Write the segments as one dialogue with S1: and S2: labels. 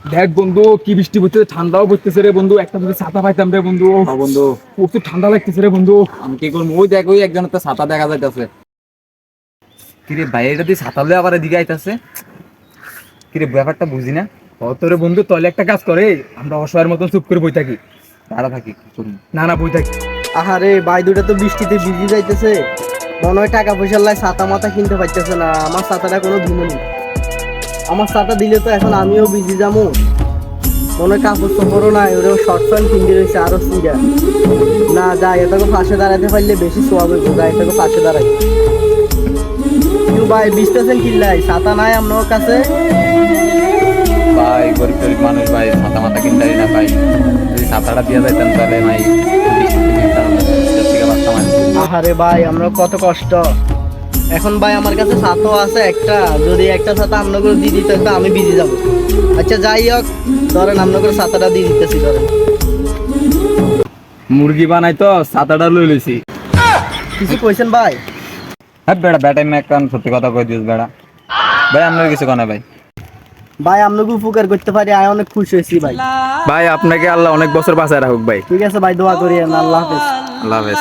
S1: দেখ বন্ধু কি বৃষ্টি পড়ছে, ঠান্ডাও পড়তেছে রে বন্ধু। একটা যদি ছাতা পাইতাম রে বন্ধু।
S2: বন্ধু
S1: প্রচুর ঠান্ডা লাগতেছে রে বন্ধু।
S2: আমি কি করবো? ওই দেখ, ওই একজনের তো ছাতা দেখা যাইতেছে। কিরে ভাই, এটা দিয়ে ছাতা লয়ে আবার এদিকে আইতাছে। কিরে ব্যাপারটা বুঝি না।
S1: তোরে বন্ধু তাহলে একটা কাজ করে, আমরা অসহায়ের মতন চুপ করে বই থাকি।
S2: দাঁড়া থাকি, কি করবো?
S1: না না, বই থাকি।
S3: আহারে ভাই, দুটা তো বৃষ্টিতে ভিজে যাইতেছে। মনে হয় টাকা পয়সার লাই ছাতা মাথা কিনতে পারতেছে না। আমার ছাতাটা কোনো ধুলো নেই। আমার ছাতা দিলে তো এখন আমিও ভিজে যাবো। মনে হয় কাপড় চোপড়ও নাই, ওরেও শর্ট প্যান্ট কিনতে রয়েছে আরো সিঙ্গা। না যাই, এটাকে পাশে দাঁড়াতে পারলে বেশি সোয়াব হইব। যাই, এটাকে পাশে দাঁড়াই। কিন্তু ভাই ভিজতেছেন কিল্লাই, ছাতা নাই আপনার কাছে?
S2: ভাই গরিব গরিব মানুষ ভাই, ছাতা মাথা কিনতে পারি না ভাই। যদি ছাতাটা দিয়ে যাইতাম তাহলে ভাই বৃষ্টিতে ভিজতাম না, বৃষ্টির থেকে বাঁচতাম আর কি।
S3: আহারে ভাই, আমরা কত কষ্ট। এখন ভাই আমার কাছে ছাতাও আছে একটা, যদি একটা ছাতা আপনাকে দিয়ে দিতে তো আমি ভিজে যাব। আচ্ছা যাই হোক, ধরেন আপনাকে ছাতাটা দিয়ে দিতেছি, ধরেন।
S1: মুরগি বানাই তো ছাতাটা লই লইছি।
S3: কিছু কইছেন ভাই?
S2: হ্যাঁ বেড়া, বেটাই মেয়ে কারণ সত্যি কথা কই দিস বেড়া। ভাই আপনার কিছু কনে ভাই?
S3: ভাই আপনাকে উপকার করতে পারি, আমি অনেক খুশি হয়েছি ভাই।
S1: ভাই আপনাকে আল্লাহ অনেক বছর বাঁচায় রাখুক ভাই।
S3: ঠিক আছে ভাই, দোয়া করি। আল্লাহ হাফেজ।
S2: আল্লাহ হাফেজ।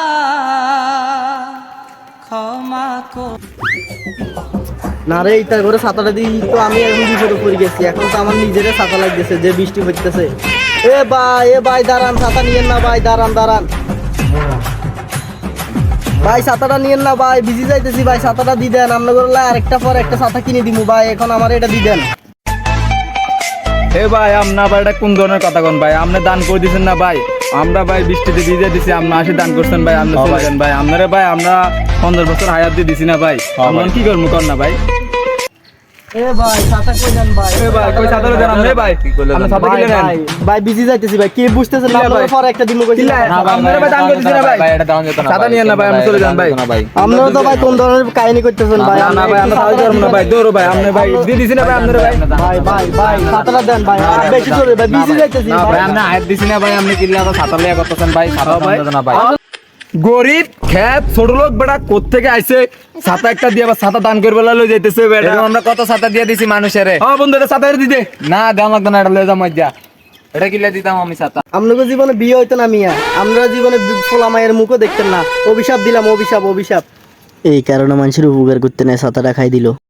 S3: না রে, ইটা করে ছাতাটা দিই তো আমি এখন বিপদে পড়ে গেছি। এখন তো আমার নিজেরই ছাতা লাগতেছে, যে বৃষ্টি পড়তেছে। এ ভাই দাঁড়ান, ছাতা নিয়েন না ভাই, দাঁড়ান দাঁড়ান ভাই, ছাতাটা নিয়েন না ভাই, ভিজে যাইতেছি ভাই। ছাতাটা দিয়ে দেন, আপনাদের আরেকটা পর একটা ছাতা কিনে দিমু ভাই, এখন আমার এটা দিয়ে দেন।
S1: এ ভাই, আপনার আবার এটা কোন ধরনের কথা কোন ভাই? আপনি দান করে দিচ্ছেন না ভাই? আমরা ভাই বৃষ্টিতে ভিজে দিছি, আপনি আসে দান করছেন ভাই। আপনি চলে যান ভাই। আপনারে ভাই আমরা 50 বছর হায়াত দিয়ে দিছি না ভাই। আমরা কি করবো কর না ভাই?
S3: এ ভাই ছাতা কই দেন ভাই?
S1: এ ভাই কই ছাতা দেন আপনি ভাই?
S2: কি করলে
S1: আপনি
S2: দেন?
S1: ছাতা
S3: ভাই
S1: কিনে নেন।
S3: ভাই ভাই, ভিজে যাইতেছি ভাই, কি বুঝতেছেন না?
S1: কিলা ভাই?
S3: আপনারা পরে একটা দিমু কইছি।
S1: কিলা? আপনারা ভাই দান করে দিছেন না ভাই?
S2: ভাই এটা দাও যেত না
S1: ছাতা নিয়েন না ভাই, আপনি চলে যান ভাই।
S3: আপনারা তো ভাই কোন ধরনের কাহিনী করতেছেন ভাই?
S1: না না ভাই, আমরা ছাতা করবো না ভাই। দৌড়ো ভাই, আপনি ভাই দিয়ে দিছি না ভাই আপনারা ভাই।
S3: ভাই ভাই ভাই, ছাতাটা দেন ভাই, আর বেশি চলে ভাই, ভিজে যাইতেছি
S2: না ভাই,
S3: ভাই।
S2: আপনি হায়াত দিছি না ভাই, আপনি কিল্লা তো ছাতা লিয়া করতেছেন ভাই। ছাতা
S1: ভাই
S2: দাও না ভাই।
S1: গরিব খ্যাত ছোট লোক বেটা কোত্থেকে আইছে, ছাতা একটা দিয়ে আবার ছাতা দান করবে লই যাইতেছে বেটা।
S2: এরকম আমরা কত ছাতা দিয়ে দিছি মানুষের।
S1: হ্যাঁ বন্ধু, এটা ছাতা দি দে।
S2: না দাম লাগতো না, এটা লয়ে যাও মজ্জা। এটা কিল্লা দিতাম আমি ছাতা।
S3: আপনাকে জীবনে বিয়ে হইতো না মিয়া, আমরা জীবনে ফোলা মায়ের মুখও দেখতেন না। অভিশাপ দিলাম, অভিশাপ অভিশাপ। এই কারণে মানুষের উপকার করতে নেয়, ছাতাটা খাই দিল।